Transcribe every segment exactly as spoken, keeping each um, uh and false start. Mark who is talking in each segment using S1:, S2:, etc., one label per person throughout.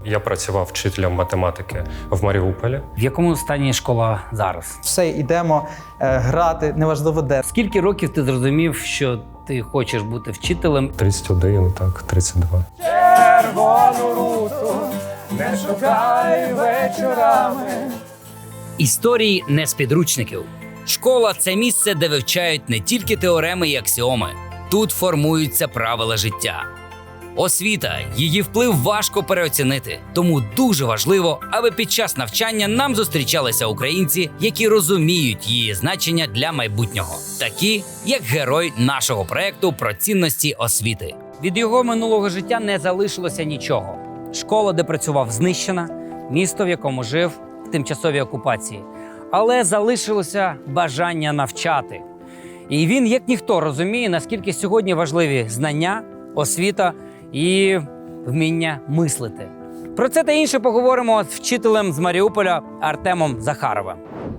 S1: Я працював вчителем математики в Маріуполі.
S2: В якому стані школа зараз?
S3: Все, йдемо е, грати, неважливо де.
S2: Скільки років ти зрозумів, що ти хочеш бути вчителем?
S1: тридцять один, так, тридцять два.
S3: Червону руту не шукай вечорами.
S2: Історії не з підручників. Школа – це місце, де вивчають не тільки теореми і аксіоми. Тут формуються правила життя. Освіта, її вплив важко переоцінити. Тому дуже важливо, аби під час навчання нам зустрічалися українці, які розуміють її значення для майбутнього. Такі, як герой нашого проекту про цінності освіти. Від його минулого життя не залишилося нічого. Школа, де працював, знищена, місто, в якому жив, в тимчасовій окупації. Але залишилося бажання навчати. І він, як ніхто, розуміє, наскільки сьогодні важливі знання, освіта і вміння мислити. Про це та інше поговоримо з вчителем з Маріуполя Артемом Захаровим.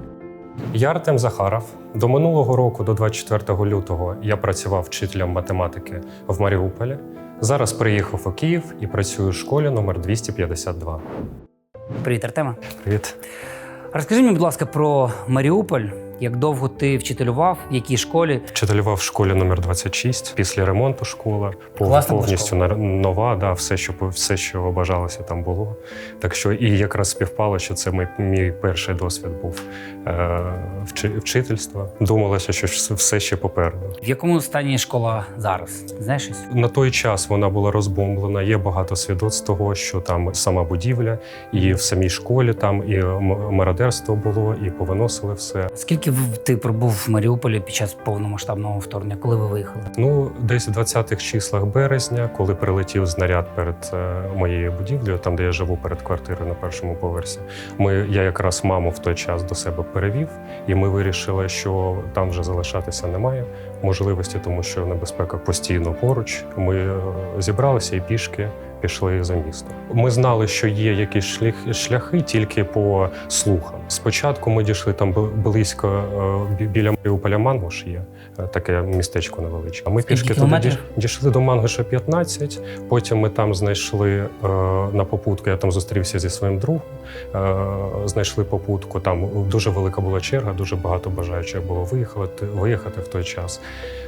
S1: Я Артем Захаров. До минулого року, до двадцять четвертого лютого, я працював вчителем математики в Маріуполі. Зараз приїхав у Київ і працюю в школі номер двісті п'ятдесят два.
S2: Привіт, Артема.
S1: Привіт.
S2: Розкажи мені, будь ласка, про Маріуполь. Як довго ти вчителював, в якій школі?
S1: Вчителював в школі номер двадцять шість. Після ремонту школа
S2: Класна
S1: повністю
S2: школа.
S1: нова, да, все, що все, що бажалося, там було. Так що і якраз співпало, що це мій, мій перший досвід був е, вчи, вчительства. Думалося, що все ще попереду.
S2: В якому стані школа зараз? Знаєш щось?
S1: На той час вона була розбомблена. Є багато свідоцтв того, що там сама будівля, і в самій школі там і мародерство було, і повиносили все.
S2: Скільки ти пробув в Маріуполі під час повномасштабного вторгнення? Коли ви виїхали?
S1: Ну, десь в двадцятих числах березня, коли прилетів знаряд перед е, моєю будівлею, там, де я живу, перед квартирою на першому поверсі, ми, я якраз маму в той час до себе перевів, і ми вирішили, що там вже залишатися немає можливості, тому що небезпека постійно поруч. Ми е, зібралися і пішки пішли за місто. Ми знали, що є якісь шляхи, шляхи тільки по слухам. Спочатку ми дійшли там близько е, біля Маріуполя Мангуш є, е, таке містечко невеличке. А ми
S2: Скільки
S1: пішки туди
S2: кілометрів?
S1: дійшли, дійшли до Мангуша п'ятнадцять, потім ми там знайшли е, на попутку, я там зустрівся зі своїм другом, е, знайшли попутку, там дуже велика була черга, дуже багато бажаючих було виїхати, виїхати в той час.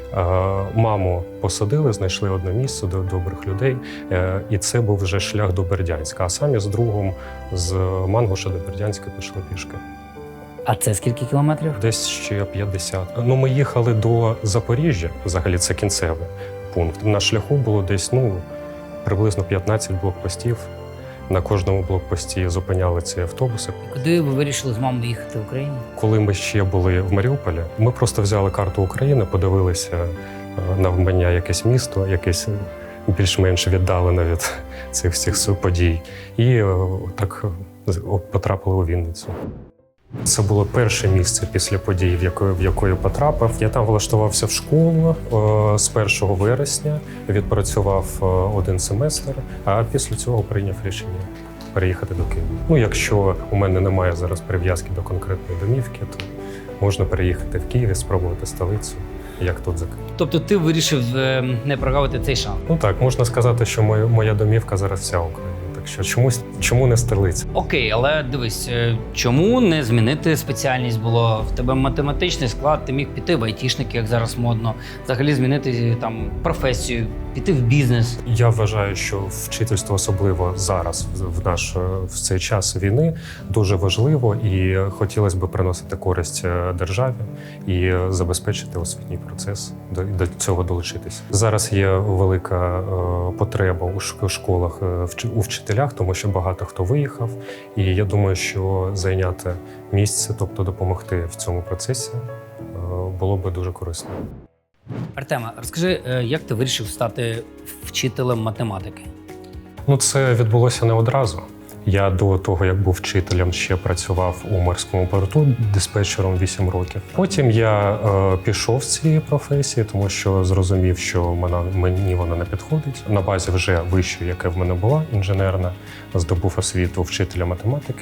S1: Маму посадили, знайшли одне місце до добрих людей, і це був вже шлях до Бердянська. А самі з другом з Мангуша до Бердянська пішли пішки.
S2: А це скільки кілометрів?
S1: Десь ще п'ятдесят. Ну, ми їхали до Запоріжжя, взагалі це кінцевий пункт. На шляху було десь ну, приблизно п'ятнадцять блокпостів. На кожному блокпості зупиняли ці автобуси.
S2: Куди ви вирішили з мамою їхати в Україну?
S1: Коли ми ще були в Маріуполі, ми просто взяли карту України, подивилися на вмання якесь місто, якесь більш-менш віддалене від цих всіх подій. І так потрапили у Вінницю. Це було перше місце після подій, в якої, в якої потрапив. Я там влаштувався в школу е, з першого вересня, відпрацював е, один семестр, а після цього прийняв рішення переїхати до Києва. Ну, якщо у мене немає зараз прив'язки до конкретної домівки, то можна переїхати в Київ і спробувати столицю, як тут за Київ.
S2: Тобто ти вирішив е, не прогавити цей шанс?
S1: Ну так, можна сказати, що моя, моя домівка зараз вся Україна. Так що чомусь, чому не столиця?
S2: Окей, але дивись, е, чому не змінити спеціальність? Було в тебе математичний склад, ти міг піти в айтішники, як зараз модно, взагалі змінити там професію, піти в бізнес.
S1: Я вважаю, що вчительство, особливо зараз, в наш в цей час війни, дуже важливо, і хотілося б приносити користь державі і забезпечити освітній процес, до, до цього долучитися. Зараз є велика потреба у школах у вчителях, тому що багато хто виїхав, і я думаю, що зайняти місце, тобто допомогти в цьому процесі, було б дуже корисно.
S2: Артема, розкажи, е, як ти вирішив стати вчителем математики?
S1: Ну, це відбулося не одразу. Я до того, як був вчителем, ще працював у морському порту диспетчером вісім років. Потім я е, пішов з цієї професії, тому що зрозумів, що вона, мені вона не підходить. На базі вже вищої, яка в мене була, інженерна, здобув освіту вчителя математики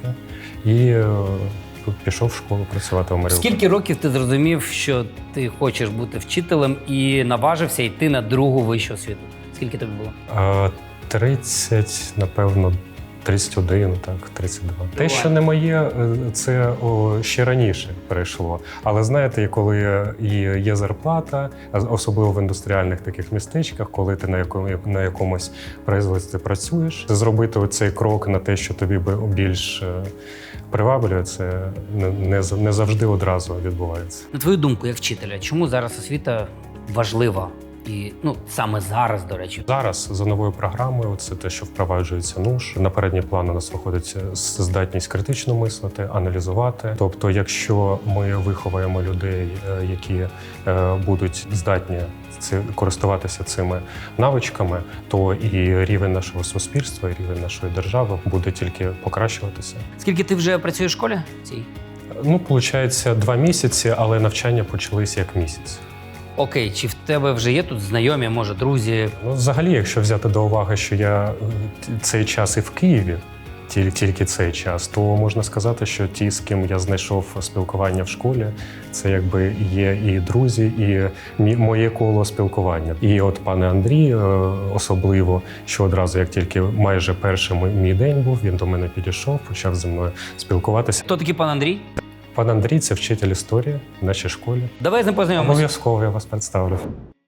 S1: і е, пішов в школу працювати в Маріуполі.
S2: Скільки років ти зрозумів, що ти хочеш бути вчителем і наважився йти на другу вищу освіту? Скільки тобі було?
S1: Е, тридцять, напевно, тридцять один, так, тридцять два. Те, що не моє, е, це о, ще раніше перейшло. Але знаєте, і коли і є зарплата, а особливо в індустріальних таких містечках, коли ти на якому на якомусь производстві працюєш, зробити цей крок на те, що тобі би більш е, приваблює, це не, не, з- не завжди одразу відбувається.
S2: На твою думку, як вчителя, чому зараз освіта важлива? І ну саме зараз, до речі,
S1: Зараз за новою програмою це те, що впроваджується НУШ. На передній план у нас виходить здатність критично мислити, аналізувати. Тобто, якщо ми виховуємо людей, е, які е, будуть здатні ці- користуватися цими навичками, то і рівень нашого суспільства, і рівень нашої держави буде тільки покращуватися.
S2: скільки ти вже працюєш в школі? Цій?
S1: Ну, виходить, два місяці, але навчання почалися як місяць.
S2: Окей, чи в тебе вже є тут знайомі, може, друзі?
S1: Ну, взагалі, якщо взяти до уваги, що я е, цей час і в Києві, тіль- тільки цей час, то можна сказати, що ті, з ким я знайшов спілкування в школі, це якби є і друзі, і мі- моє коло спілкування. І от пане Андрій, е, особливо, що одразу, як тільки майже перший мій- мій день був, він до мене підійшов, почав зі мною спілкуватися.
S2: Хто такий пан Андрій?
S1: Пан Андрій – це вчитель історії в нашій школі.
S2: Давай з ним познайомимося.
S1: Обов'язково я вас представлю.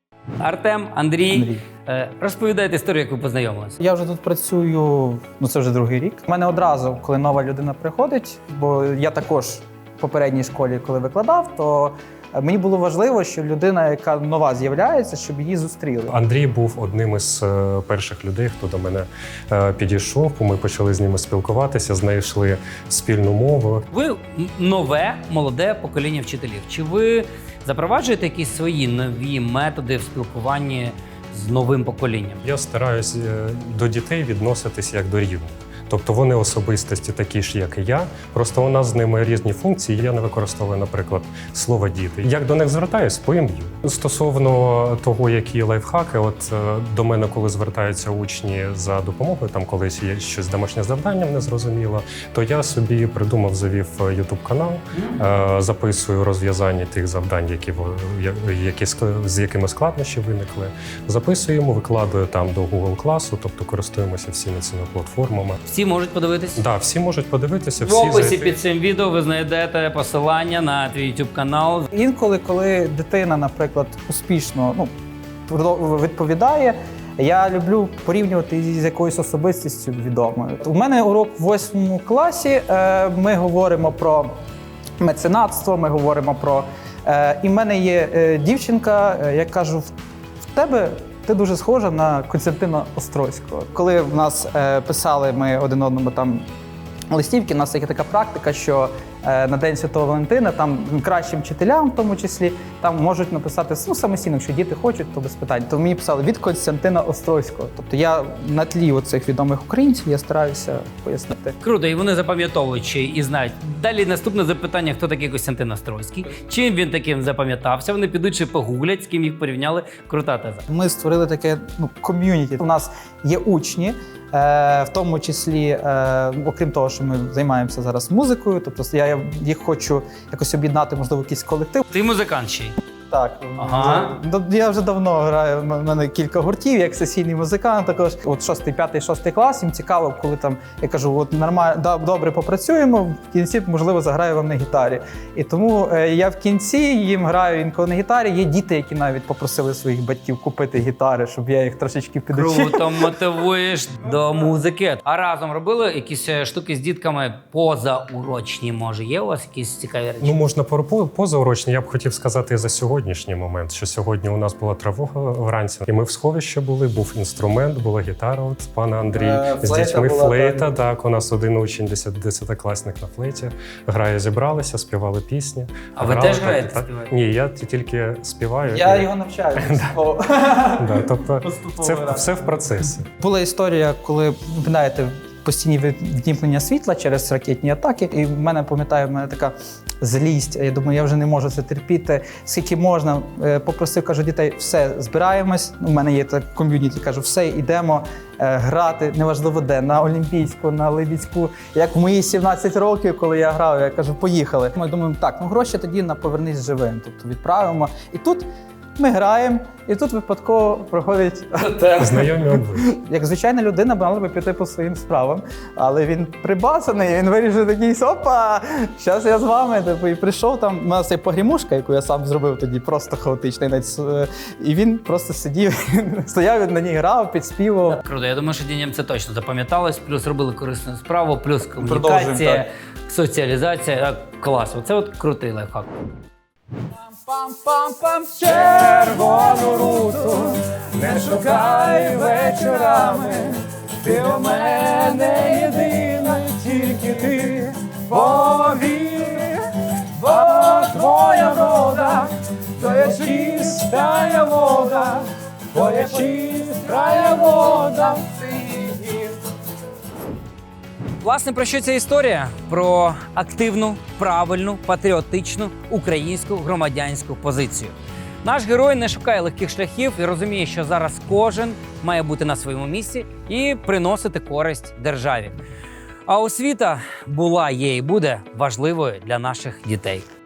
S2: Артем, Андрій,
S3: Андрій.
S2: Е, розповідайте історію, як ви познайомилися.
S3: Я вже тут працюю, ну це вже другий рік. У мене одразу, коли нова людина приходить, бо я також в попередній школі, коли викладав, то мені було важливо, що людина, яка нова з'являється, щоб її зустріли.
S1: Андрій був одним із е, перших людей, хто до мене е, підійшов. Ми почали з ними спілкуватися, знайшли спільну мову.
S2: Ви м- нове, молоде покоління вчителів. Чи ви запроваджуєте якісь свої нові методи в спілкуванні з новим поколінням?
S1: Я стараюсь е, до дітей відноситись як до рівних. Тобто вони особистості такі ж, як і я. Просто у нас з ними різні функції. Я не використовую, наприклад, слово діти. Як до них звертаюсь, по ім'ю. Стосовно того, які лайфхаки, от е, до мене, коли звертаються учні за допомогою, там колись є щось домашнє завданням незрозуміло, то я собі придумав, завів ютуб канал, е, записую розв'язання тих завдань, які во- я- які ск- з якими складнощі виникли. Записуємо, викладаю там до Google класу, тобто користуємося всіми цими платформами.
S2: Всі можуть подивитись?
S1: Да, всі можуть подивитися,
S2: В
S1: всі
S2: описі
S1: зайти.
S2: під цим відео ви знайдете посилання на твій YouTube канал.
S3: Інколи, коли дитина, наприклад, успішно ну, продо- відповідає, я люблю порівнювати її з якоюсь особистістю відомою. У мене урок в восьмому класі. е, Ми говоримо про меценатство, ми говоримо про. е, І в мене є е, дівчинка, е, я кажу, в тебе. Ти дуже схожа на Костянтина Острозького. Коли в нас е, писали ми один одному там листівки, у нас є така практика, що е, на День Святого Валентина там кращим вчителям, в тому числі, там можуть написати ну, самостійно, якщо діти хочуть, то без питань. То мені писали від Костянтина Острозького. Тобто я на тлі оцих відомих українців я стараюся пояснити.
S2: Круто, і вони запам'ятовують ще і знають. Далі наступне запитання: хто такий Костянтин Острозький? Чим він таким запам'ятався? Вони підуть ще погуглять, з ким їх порівняли. Крута теза.
S3: Ми створили таке ну, ком'юніті. У нас є учні, е, в тому числі, е, окрім того, що ми займаємося зараз музикою, тобто я їх хочу якось об'єднати, можливо, якийсь колектив.
S2: Ти музикант ще й.
S3: Так,
S2: Ага.
S3: Ну, я вже давно граю. У мене кілька гуртів, як сесійний музикант. Також от шостий, п'ятий, шостий клас. Їм цікаво, коли там я кажу, от нормально да, добре попрацюємо. В кінці можливо заграю вам на гітарі. І тому е, я в кінці їм граю інколи на гітарі. Є діти, які навіть попросили своїх батьків купити гітари, щоб я їх трошечки підучив.
S2: Круто, мотивуєш до музики. А разом робили якісь е, штуки з дітками позаурочні? Може, є у вас якісь цікаві речі?
S1: Ну, можна про по- позаурочні. Я б хотів сказати і за сьогоднішній момент, що сьогодні у нас була тривога вранці, і ми в сховищі були, був інструмент, була гітара от пана Андрія.
S3: Е,
S1: З
S3: флейта
S1: дітьми
S3: була,
S1: флейта,
S3: так.
S1: так. У нас один учень, десят- десятикласник на флейті. Грає, зібралися, співали пісні.
S2: А ви
S1: Грали
S2: теж
S1: так,
S2: граєте,
S1: так.
S2: співаєте?
S1: Ні, я ті- тільки співаю.
S3: Я
S1: і-
S3: його навчаю. поступово.
S1: Да, тобто
S3: Поступово
S1: це
S3: граю.
S1: все в процесі.
S3: Була історія, коли ви знаєте, постійні віднімкнення світла через ракетні атаки. І в мене, пам'ятаю, в мене така злість. Я думаю, я вже не можу це терпіти. Скільки можна, Е, попросив, кажу, дітей, все, збираємось. У мене є так ком'юніті, кажу, все, йдемо е, грати, неважливо де, на Олімпійську, на Либідську. Як в мої сімнадцять років, коли я грав, я кажу, поїхали. Ми думаємо, так, ну гроші тоді на повернись живим, тобто відправимо. І тут ми граємо, і тут випадково проходить Артем.
S1: Знайомі обличчя.
S3: Як звичайна людина мала би піти по своїм справам, але він прибасаний, він вирішив такий, опа, зараз я з вами. Типу, і прийшов там, у нас є погрімушка, яку я сам зробив тоді, просто хаотичний. навіть, е, І він просто сидів, стояв, він на ній грав, підспівував.
S2: Круто, я думаю, що дітям це точно запам'яталось, плюс робили корисну справу, плюс
S3: Продовжуємо,
S2: комунікація,
S3: так.
S2: соціалізація. Так, клас, оце от крутий лайфхак.
S3: Пам-пам-пам, червону руту, не шукай вечорами, ти у мене єдина, тільки ти повір, бо твоя врода, твоя чистая вода, твоя чистая вода, ти.
S2: Власне, про що ця історія? Про активну, правильну, патріотичну українську громадянську позицію. Наш герой не шукає легких шляхів і розуміє, що зараз кожен має бути на своєму місці і приносити користь державі. А освіта була, є і буде важливою для наших дітей.